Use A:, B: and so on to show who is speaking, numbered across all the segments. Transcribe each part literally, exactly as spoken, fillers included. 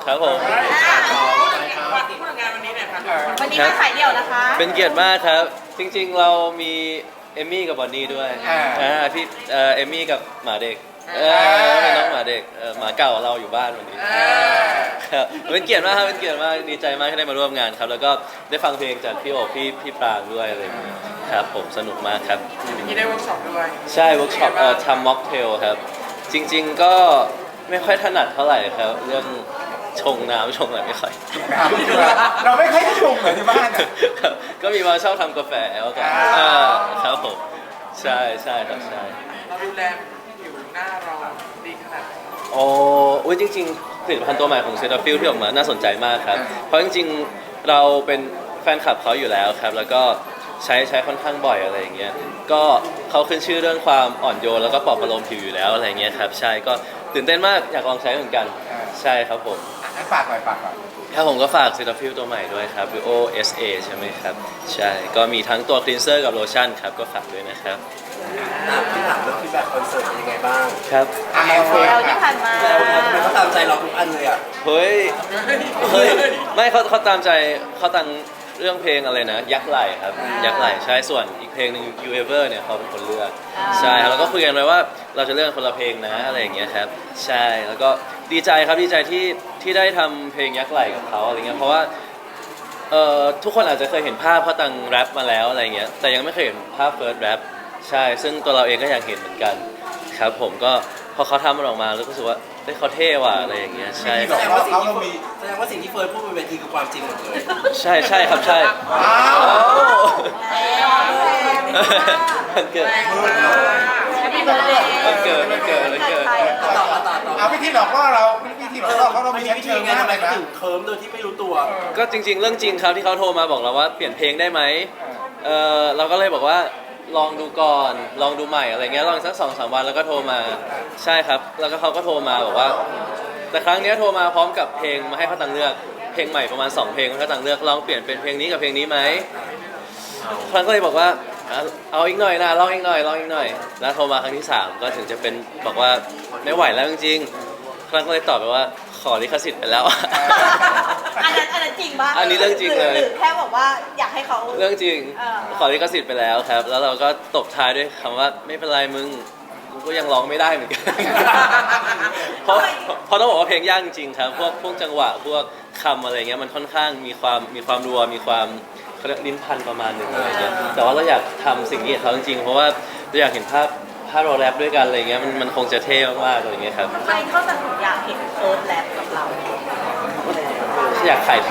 A: ครับผม
B: พูดถึงงานวันนี้หน่อยครับ
C: วันนี้มาขายเดี่ยวนะคะ
A: เป็นเกียรติมากครับ จริงๆเรามีเอมมี่กับบอนนี่ด้วยอ่าพี่เอ่อเอมมี่กับหมาเด็กเออเป็นน้องหมาเด็กเออหมาเก่าเราอยู่บ้านวันนี้ครับเป็นเกียรติมากครับเป็นเกียรติมากดีใจมากที่ได้มาร่วมงานครับแล้วก็ได้ฟังเพลงจากพี่โอบพี่พี่ปรางด้วยอะไรอย่างเงี้ยครับผมสนุกมากครับ
B: ที่ได้เวิร์กช็อปด้วย
A: ใช่เวิร์กช็อปเอ่อทำม็อกเทลครับจริงๆก็ไม่ค่อยถนัดเท่าไหร่ครับเรื่องชงน้ำชงอะไรไม่ค่อย
D: เราไม่ค่อยได้ชงเหมือนที่บ้านอ่ะ
A: ครับก็มีมาชอบทำกาแฟแล้วกัน
D: อ่า
A: อ่าครับผมใช่ใช่ครับใช่
B: เราดูแลผิวหน้าเราดีขนาดไหน
A: โอ้อุ้ยจริงๆผลิตภัณฑ์ตัวใหม่ของเซตาฟิลที่ออกมาน่าสนใจมากครับเพราะจริงๆเราเป็นแฟนคลับเขาอยู่แล้วครับแล้วก็ใช้ใช้ค่อนข้างบ่อยอะไรอย่างเงี้ยก็เขาขึ้นชื่อเรื่องความอ่อนโยนแล้วก็ปลอบประโลมผิวอยู่แล้วอะไรอย่างเงี้ยครับใช่ก็ตื่นเต้นมากอยากลองใช้เหมือนกันใช่ครับผม
D: งั้นฝากหน่อยฝากหน่อย
A: ถ้าผมก็ฝาก Cetaphil ตัวใหม่ด้วยครับ Duo เอส เอ ใช่ไหมครับ ใช่ ก็มีทั้งตัวคลีนเซอร์กับโลชั่นครับ ก็ฝากด้วยนะครับ
E: พี่ถามเรื่องฟีดแบ็กคอนเสิร์ตเป็นยังไงบ้าง
A: ครับ
D: อ่ะ
C: เดี่ยวที่ผ่านมา
E: แล้วทำไมเขาตามใจเราทุกอันเลยอ่ะ
A: เฮ้ย เฮ้ย ไม่เขาเขาตามใจเขาตั้งเรื่องเพลงอะไรนะ ยักษ์ไหลครับ ยักษ์ไหลใช่ ส่วนอีกเพลงหนึ่ง You Ever เนี่ยเขาเป็นคนเลือก ใช่ครับแล้วก็คุยกันไว้ว่าเราจะเลือกคนละเพลงนะอะไรอย่างเงี้ยครับ ใช่ แล้วก็ดีใจครับดีใจที่ที่ได้ทำเพลงยักษ์ไหลกับเขาอะไรเงี้ย เพราะว่าเอ่อทุกคนอาจจะเคยเห็นภาพเขาตังแรปมาแล้วอะไรเงี้ย แต่ยังไม่เคยเห็นภาพเฟิร์สแรปใช่ ซึ่งตัวเราเองก็อยากเห็นเหมือนกัน ครับผมก็พอเขาทำมันออกมาแล้วก็รู้สึกว่าเฮ้ยเขาเท่ว่ะอะไรอย่างเงี้ย ใช่
D: ที่บอกว่าเขาเรามี
E: แสดงว่าสิ่งที่เฟิร์นพูดบนเวทีคือความจริงหมดเลย
A: ใช่ใช่ครับใช่
D: อ้าว
A: มันเกิด
C: Happy birthday
A: มันเกิดมันเกิดมันเกิด
E: ต่อต่อต่อต่อ
D: เอาวิธีหลอกล่อเราวิธีหลอกล่อเขาเรา
E: มัน
D: มี
E: ใช้
D: ชั้น
E: วิธี
D: เชิง
E: ไง
D: มาก
E: ทำไม
D: เลย
E: เขา
D: นะ
E: ถึงเคิร์มโดยที่ไม่รู้ตัว
A: ก็จริง ๆ เรื่องจริงครับที่เขาโทรมาบอกเราว่าเปลี่ยนเพลงได้ไหมเออเราก็เลยบอกว่าลองดูก่อนลองดูใหม่อะไรเงี้ยลองสักสองสามวันแล้วก็โทรมาใช่ครับ แล้วก็เขาก็โทรมาบอกว่า แต่ครั้งเนี้ยโทรมาพร้อมกับเพลงมาให้เขาตังเลือกเพลงใหม่ประมาณสองเพลงให้เขาตังเลือกลองเปลี่ยนเป็นเพลงนี้กับเพลงนี้ไหมครั้งก็เลยบอกว่าอ่ะเอาอีกหน่อยนะลองอีกหน่อยลองอีกหน่อย แล้วโทรมาครั้งที่สามก็ถึงจะเป็นบอกว่าไม่ไหวแล้วจริงๆครั้งก็เลยตอบไปว่าขอลิขสิทธิ์ไปแล้ว
C: อันนั้นอันนั้นจริงปะ
A: อันนี้เรื่องจริงเลย
C: หรือแค่บอกว่าอยากให้เขา
A: เรื่องจริง
C: เออ
A: ขอลิขสิทธิ์ไปแล้วครับ แล้วเราก็ตบท้ายด้วยคำว่าไม่เป็นไรมึงกูก็ยังร้องไม่ได้เหมือนกัน เพราะเพราะต้องบอกว่าเพลงยากจริงๆครับ พวกพวกจังหวะพวกคำอะไรเงี้ยมันค่อนข้างมีความมีความรัวมีความเขาเรียกลิ้นพันประมาณหนึ่งอะไรเงี้ยแต่ว่าเราอยากทำสิ่งนี้กับเขาจริงๆเพราะว่าเราอยากเห็นภาพภาพเราแรปด้วยกันอะไรเงี้ยมันมันคงจะเท่มากๆอะไรเงี้ยครับ
C: ใครเขาจะถึงอยากเห็นเฟิร์สแลบกับเรา
A: อยากขายเท่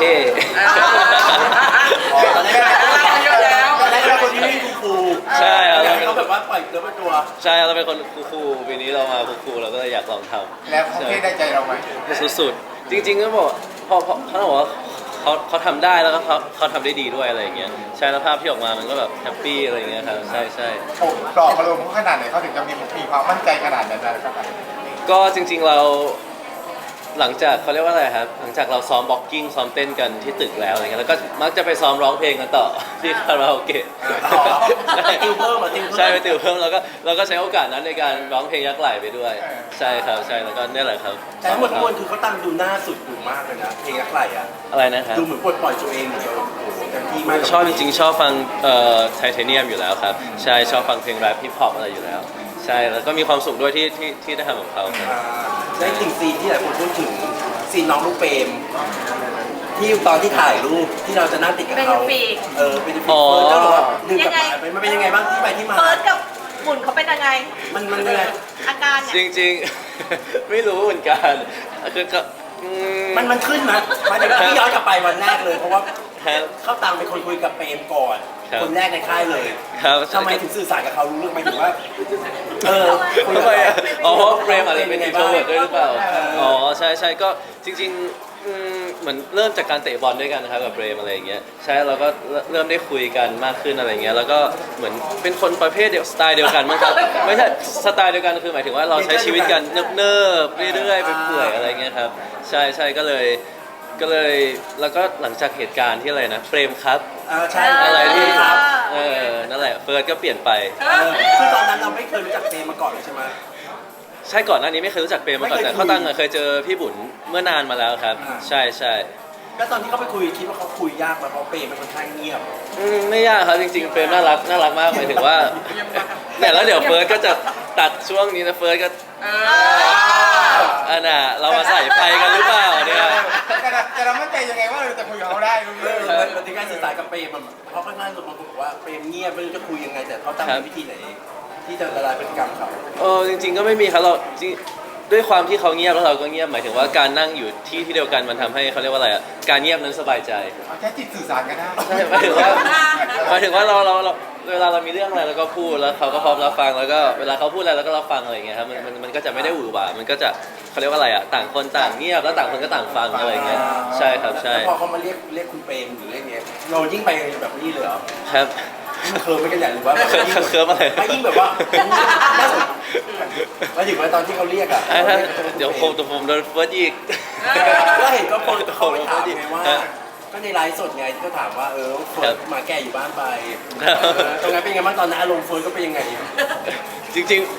E: ตอนแรกเยอะแล้วตอนแรกเราคนที่ไม่คูล
A: ใช่ครับ
E: อยาก
A: เรา
E: ให้
A: เป็น
E: เขาแบบว่าปล่อยเนื้อเป็นตัว
A: ใช่เราเป็นคนคูลๆปีนี้เรามาคูลๆเราก็เลยอยากลองทำ
D: แล้วเขาเท่ได้ใจเราไหม
A: สุดๆ จริงๆก็บอกพอพอเขาบอกว่าเขาเขาทำได้แล้วก็เขาเขาทำได้ดีด้วยอะไรอย่างเงี้ยใช่แล้วภาพที่ออกมามันก็แบบแฮปปี้อะไรอย่างเงี้ยครับใช่ใช่
D: โอ้ปลอบประโลมเขาขนาดไหนเขาถึงจะมีมีความมั่นใจขนาดนั้นนะครับ
A: ก็จริงๆเราหลังจากเขาเรียกว่าอะไรครับหลังจากเราซ้อมบ็อกกิ้งซ้อมเต้นกันที่ตึกแล้วอะไรเงี้ยแล้วก็มักจะไปซ้อมร้องเพลงกันต่อที่คาราโอเกะ
E: ติวเพิ่มเหรอติวเพิ่ม
A: ใช่ไปติวเพิ่มแล้วก็เราก็ใช้โอกาสนั้นในการร้องเพลงยักษ์ไหลไปด้วย ใช่ครับใช่แล้วก็นี่แหละครับ
E: แต่ทั้งหมดทั้งมวลคือเขาตั้งดูหน้าสุดดูมากเลยนะเพลงยักษ์ไหลอ่ะ
A: อะไรนะครับ
E: ดูเหมือนปลดปล่อยตัวเองเหมือนแบบโอ้โหเต็มที่มาก
A: ชอบจริงๆชอบฟังเอ่อไทเทเนียมอยู่แล้วครับใช่ชอบฟังเพลงแรปฮิปฮอปอะไรอยู่แล้ว ใช่แล้วก็มีความสุขด้วยที่ที่ที่ได้ทำกับเขาครับ
E: อ่าได้ถึงซีนที่หลายคนพูดถึงซีนน้องลูกเปรมที่ตอนที่ถ่ายรูปที่เราจะนั่งติดกับเขา
C: เป็นปีก
E: เออเป็นปีกเฟิร์นก็บอกว่าดึงกลับ
C: ยังไง
E: มาไปมันเป็นยังไงบ้างที่ไปที่มา
C: เฟิร์สกับหมุนเขาเป็นยังไง
E: มันมันยังไง
C: อาการ
A: จ
C: เนี่ย
A: ริงๆ ไม่รู้เหมือนกันคือก็อื
E: มันมันขึ้นนะมันเป็นที่ย้อนกลับไปวันแรกเลย เพราะว่า
A: ครับ
E: เข้าตังเป็นคนคุยกับเปรมก่อน
A: ครับ
E: คนแรกในค่ายเลย
A: ครับ
E: ทำไมถึงสื่อสารกับเขารู้เรื่องไหมถึงว่า เออคุย
A: ทำ
E: กับ
A: ไม
E: เขา
A: อะอ๋อเพราะเฟรมอาจจะเป็น
E: ยั
A: อิ
E: ง
A: น
E: ไง
A: โทร
E: บ้าง
A: เวิร์ดด้วยหรือเปล่า
E: เอออ๋
A: อ๋อใช่ใช่ก็จริงๆอืมเหมือนเริ่มจากการเตะบอลด้วยกันนะครับกับเฟรมอะไรอย่างเงี้ยใช่เราก็เริ่มได้คุยกันมากขึ้นอะไรเงี้ยแล้วก็เหมือนเป็นคนประเภทเดียวสไตล์เดียวกันมั้งครับไม่ใช่สไตล์เดียวกันคือหมายถึงว่าเราใช้ชีวิตกันเนิบๆเรื่อยๆไปเปื่อยอะไรเงี้ยครับใช่ใช่ก็เลยก็เลยแล้วก็หลังจากเหตุการณ์ที่อะไรนะเฟรมครับ
E: อ่าใช่
A: อะไรที่
E: ครับ
A: เออนั่นแหละเฟิร์สก็เปลี่ยนไป
E: เออคือตอนนั้นเราไม่เคยรู้จักเปรมมาก่อนเลยใช่ไหม
A: ใช่ก่อนหน้านี้ไม่เคยรู้จักเปรมมาก่อนแต่เขาตั้งอะเคยเจอพี่บุญเมื่อนานมาแล้วครับ ใช่ใช่
E: แล้วตอนที่เขาไปคุยคิดว่าเขาคุยยากไหมเพราะเปรมเป็นคนข้างเงียบ
A: อืมไม่ยากครับจริงๆเปรมน่ารักน่ารักมากหมายถึงว่าเนี่ยแล้วเดี๋ยวเฟิร์สก็จะตัดช่วงนี้นะเฟิร์สก็
B: เออ
A: อันน่ะเรามาใส่ไฟกันหรือเปล่าเนี่ย
D: แต่เราแต่เรามั่นใจยังไงว่าเราจะคุยกับเขาได้รู้
E: เอ
D: เรื่อง
E: อมันเป็นการสื่อสารกับเปรมอะเพราะค่อนข้างบางคนบอกว่าเปรมเงียบไม่รู้จะคุยยังไง แต่เขาตั้งวิธีไหน ที่จะละลายพฤติกรรมเขา
A: เออจริงๆก็ไม่มีครับเราจริงด้วยความที่เขาเงียบแล้วเราก็เงียบหมายถึงว่าการนั่งอยู่ที่ที่เดียวกันมันทำให้เขาเรียกว่าอะไรอ่ะการเงียบนั้นสบายใจ
D: เอาแค่จิตสื่อสารกันได้
A: ใช่หมายถึงว่าหมายถึงว่าเราเราเราเวลาเรามีเรื่องอะไรเราก็พูดแล้วเขาก็พร้อมรับฟังแล้วก็เวลาเขาพูดอะไรเราก็รับฟังอะไรอย่างเงี้ยครับมันมันมันก็จะไม่ได้หวือหวามันก็จะเขาเรียกว่าอะไรอ่ะต่างคนต่างเงียบแล้วต่างคนก็ต่างฟังอะไรอย่างเงี้ยใช่ครับใช่
E: แล้วพอเขามาเรียกเรียกคุณเปรมหรือเรียกเงี้ยเรายิ่งไปแบบนี้เลยเหรอ
A: ครับ
E: ยิ่งเคิร์มไม่กันใหญ่หรือว่าแบบยิ่ง
A: เคิร์มอะไร
E: ไม่ยิ่งแบบว่าหมายถึงว่าตอนที่เขาเรียกอ่ะ
A: อ่ะเดี๋ยวผมแต่ผมโดนเฟิร์สอีก
E: ก็เห็นก็คนเขาไปถามไงว่า ก็ในไลฟ์สดไงที่เขาถามว่าเออเฟิร์สมาแก่อยู่บ้านไปเออตรงนั้นเป็นไงบ้างตอนนั้นอารมณ์เฟิร์สก็เป็นยังไง
A: จริงๆ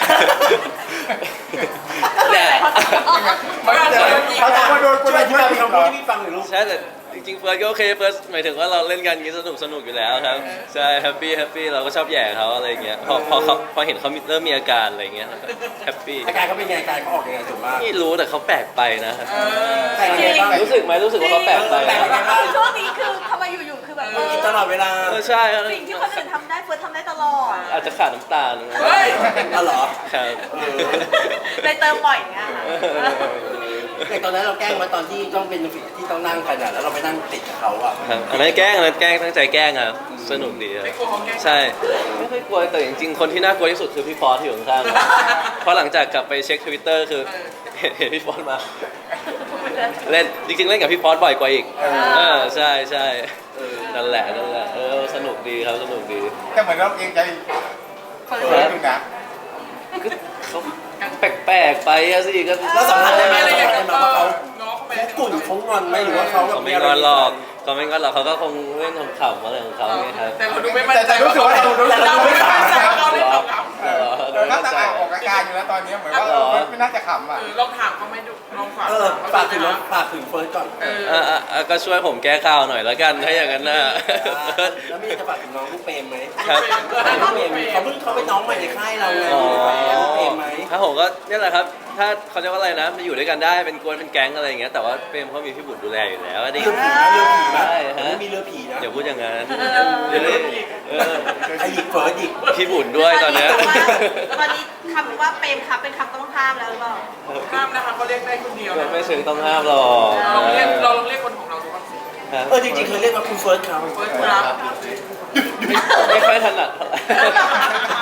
A: เนี่ย
D: มันจะเขาจะมาโดนคน
E: ช่วย
D: ที่
E: ที่
D: เรา
E: เรา
D: ไม่
E: พี่
D: รู้
E: พี่ฟังหน่อยลูก
A: ใช่แต่จริงๆเฟิร์สก็โอเคเฟิร์สหมายถึงว่าเราเล่นกันอย่างนี้สนุกสนุกอยู่แล้วครับใช่แฮปปี้แฮปปี้เราก็ชอบแย่เขาอะไรอย่างเงี้ยพอพอเขาพอเห็นเขาเริ่มมีอาการอะไรอย่างเงี้ยแฮปปี้
E: อาการเขาเป็นไงอาการเขาออกยังไงถูกป่ะ
A: ไม่รู้แต่เขาแปลกไปนะครับ
E: แต่ยังไงบ้าง
A: รู้สึกไหมรู้สึกว่าเขาแปลกไป
E: แปลกยังไงบ้าง
C: ช่วงนี้คือทำไมอยู่ๆคือแบบเออ
E: กินตลอดเวลา
A: เออใช่ครับ
C: สิ่งที่คนอื่นทำได้เฟิร์สทำได้ตลอด
A: อาจจะขาดน้ำตาล
B: เฮ้ย
E: อ๋อเหรอ
A: ครับ
E: เออ
C: เลยเติมบ่อยอย่างเงี้ยค่ะ
E: อย่างตอนนั้นเราแกล้งมาตอนที่ต้องเป็นฟิกที่ต้องนั่งกันอ่ะแล้วเราไปนั่งติดกับเขาอ่ะ
A: ครับอันนั้นแกล้งอันนั้นแกล้งตั้งใจแกล้งครับสนุกดีครับ
B: ไม่กลัวเขาแกล้ง
A: ใช่ไม่ค่อยกลัวแต่จริงๆคนที่น่ากลัวที่สุดคือพี่ฟอสที่อยู่ข้างๆเพราะหลังจากกลับไปเช็คทวิตเตอร์คือเห็นเห็นพี่ฟอสมา เล่นจริงๆเล่นกับพี่ฟอสบ่อยกว่าอีกเออใช่ใช่นั่นแหละนั่นแหละเออสนุกดีครับสนุกดี
D: แต่เหมือนเราเองใจเปิดดูนะ
A: ก็เขาแปลกๆไปอะสิก็
E: แล้วสัมผัสได้ไหม
B: ไม่
E: สั
B: ได้
E: ม
B: อยา
E: ผั
B: ก
E: ส
B: จะ
E: ได้ไหม
B: เออ
E: ว่าเขา
B: ง้อเขาไป
E: เขากุ่นเขางอนไหมหรือว่าเขาแบบ
A: เขาไม่งอนหรอกเขาไม่งอนหรอกเขาก็คงเล่นขำๆอะไรของเขาไงครับ
B: แต่เราดูไม่มั่นใจ
D: แต่รู้สึกว่าเราดู
B: แต่เราไม่มั่นใจ
D: เรา
B: เขาเลยเราถาม
D: เออเราก็จะออกอาการอยู่แล้วตอนนี้เหมือนว่าเออไม่น่าจะขำอ่ะ
B: เออลองถามเขาไหมดูลองฝาก
E: เออฝากถึง
B: นะ
E: ฝากถึงเฟิร์สก่อน
B: เออ
A: อ่ะอ่ะอ่ะก็ช่วยผมแก้ข่าวหน่อยแล้วกันถ้าอย่างนั้นนะ
E: แล้วมีจะฝากถึงน้องลูกเปรมไหม
A: ครับ
E: น้องลูกเปรมเขาเพิ่งเขาเป็นน้องใหม่ในค่ายเราไง
A: อ๋อ
E: ลูกเปรมไหม
A: ถ้าผมก็เนี่ยแหละครับ ถ้าเขาเรียกว่าอะไรนะมาอยู่ด้วยกันได้เป็นกวนเป็นแก๊งอะไรอย่างเงี้ยแต่ว่าเปรมเขามีพี่บุญดูแลอยู่แล้วดิ
E: เรือผีนะเรือผีนะ
A: ใช่ฮะ
E: ไม่มีเรือผีนะ
A: อย่าพูดอย่างนั้น
B: เดี๋ยวเล่นอีก
A: เออ
E: ไอหยิกเฟิร์สอีก
A: พี่บุญด้วยตอนเนี้ย
C: ตอนนี้คำว่าเปรมครับเป็นคำต้องห้ามแล้วหรือเปล่า
B: ห้ามนะคะเขาเรียกได้คนเดียวนะ
A: ไม่ถึงต้องห้ามหรอก
B: ลองเรียกเราลองเรียกคนของเราดูบ้างสิ
A: ครับ
E: เออจริงๆเคยเรียกว่าคุณเฟิร์สครับ
B: เฟิร์สครับ
A: ไม่ค่อยถนัดเท่าไหร่